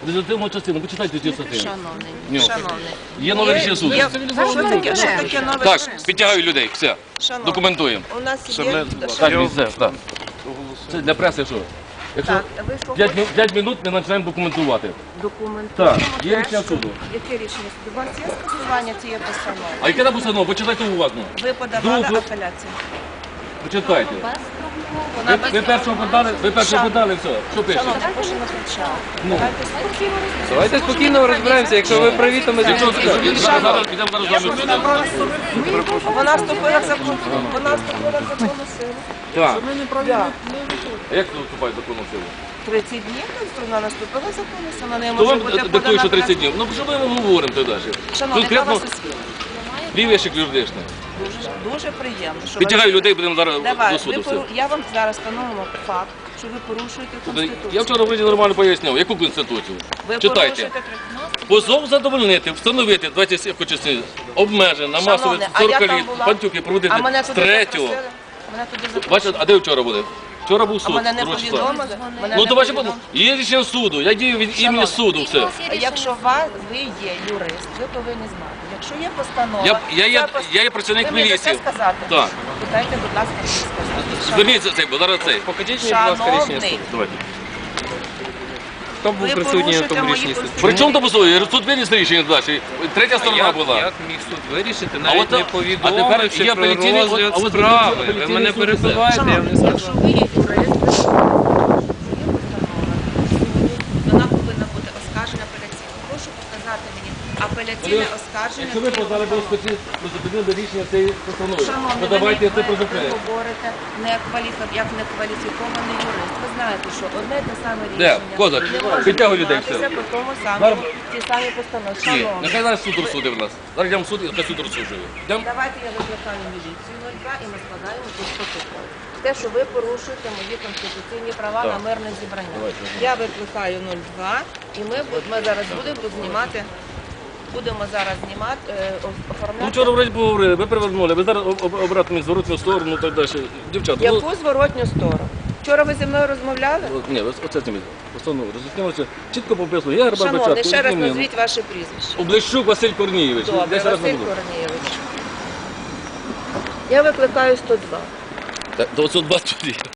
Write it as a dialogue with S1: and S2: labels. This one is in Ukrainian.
S1: результативну частину. Почитайте цю статтю.
S2: Шановний.
S1: Є нове рішення суду.
S2: Що таке нове?
S1: Так, підтягаю людей, все. Документуємо.
S2: У нас є...
S1: Так, все, так. Це для преси що? Якщо
S2: Так, ви що
S1: 5 минут ми починаємо документувати.
S2: документуємо?
S1: Так, є рішення суду.
S2: Яке рішення суду? У вас є скасування цієї постанови?
S1: А яке там постанова? Почитайте уважно.
S2: Ви подавали
S1: Друге.
S2: апеляцію?
S1: Почитайте.
S2: Вона
S1: Ви першого подали, все. Що пише?
S2: Шановні, прошу не кричати.
S1: Ну.
S2: Давайте спокійно
S3: Давайте спокійно розберемося, якщо ви праві, то ми
S1: Якщо
S3: зустрічаємо.
S1: зараз підемо зараз з вами сюди.
S2: Вона вступила в закон. Вона вступила в законну силу.
S1: Так.
S2: Да.
S1: А як це вступає в законну силу?
S2: 30 днів вона наступила в законну силу. Вона не
S1: То
S2: може
S1: вам
S2: бути
S1: диктує, що
S2: подана.
S1: 30 днів. Ну, що ми говоримо тоді?
S2: Шановні, яка у вас освіта?
S1: Лівішик юридичний.
S2: Дуже приємно. що
S1: Підтягаю
S2: ви-
S1: людей, будемо зараз
S2: Давай,
S1: до суду. все.
S2: я вам зараз встановимо факт, що ви порушуєте Конституцію.
S1: Я вчора вроді нормально поясняв, яку конституцію.
S2: Ви
S1: Читайте.
S2: порушуєте
S1: Позов задовольнити, встановити 20 часів обмежень на масові
S2: Шановне, а я
S1: 40
S2: там
S1: літ,
S2: була.
S1: пантюки проводити
S2: А мене
S1: з
S2: туди
S1: 3-го.
S2: запросили? Мене туди запросили.
S1: Бачите, а де вчора були? Вчора був
S2: А
S1: суд.
S2: мене не
S1: 2 числа.
S2: повідомили? Мене
S1: Ну
S2: не
S1: то бачите,
S2: повідомили?
S1: є рішення суду, я дію від імені суду, все.
S2: Якщо ви є юрист, ви повинні знати. Якщо є постанова...
S1: Я є працівник
S2: Ви мені
S1: міліції.
S2: дасте сказати?
S1: Так.
S2: Питайте, будь ласка, мені сказати.
S1: Зверніться цей, бо зараз цей.
S3: Покажіть мені, будь ласка, рішення
S2: Шановний,
S3: суду.
S1: Давайте.
S3: Хто був
S2: ви
S3: присутній на
S2: порушуєте
S3: тому
S2: мої
S3: рішенні суду?
S1: При чому то позов? Суд виніс рішення далі. Третя сторона
S3: Як
S1: була.
S3: міг суд вирішити,
S1: от-
S3: навіть не
S1: а тепер
S3: повідомивши
S1: є
S3: про
S1: апеляційний-
S3: розгляд
S1: а от
S3: справи? Ви
S1: апеляційний
S3: мене
S1: суд
S3: перебиваєте, я вам не
S2: Шановні, якщо
S3: сказав.
S2: ви є юрист, ви вона повинна бути оскаржена апеляційно. Прошу показати мені апеляційне оскарження.
S1: Якщо ви подали до спеці, призупинили рішення цієї постанови,
S2: Шановні,
S1: то давайте це
S2: ви
S1: призупинимо.
S2: говорите як некваліфікований юрист. Ви знаєте, що одне і те саме
S1: Де?
S2: рішення
S1: Козак,
S2: не може
S1: підтягуй людей,
S2: прийматися
S1: все.
S2: по тому
S1: Зараз-
S2: самому, ті самі постанови.
S1: Ні,
S2: Шановні,
S1: нехай зараз суд розсудив нас. Зараз йдемо в суд і нехай суд розсуджує. Йдемо?
S2: давайте я викликаю міліцію 02 і ми складаємо тут протокол. Те, що ви порушуєте мої конституційні права на мирне зібрання. Я викликаю 02 і ми зараз будемо зараз знімати,
S1: Ну,
S2: оформляти.
S1: вчора вроді поговорили, ви привернули, ви зараз обратно зворотну сторону і так далі. Дівчата, ну,
S2: Яку зворотню сторону? Вчора ви зі мною розмовляли?
S1: ні, оце зніміть. Постанову роз'яснилося, чітко прописано. Я Гербар
S2: Шановний,
S1: Бечатко.
S2: ще раз назвіть ваше прізвище.
S1: Облещук Василь Корнієвич.
S2: Добре,
S1: 10 разів
S2: Василь
S1: не було.
S2: Корнієвич. Я викликаю 102.
S1: Так, до 120.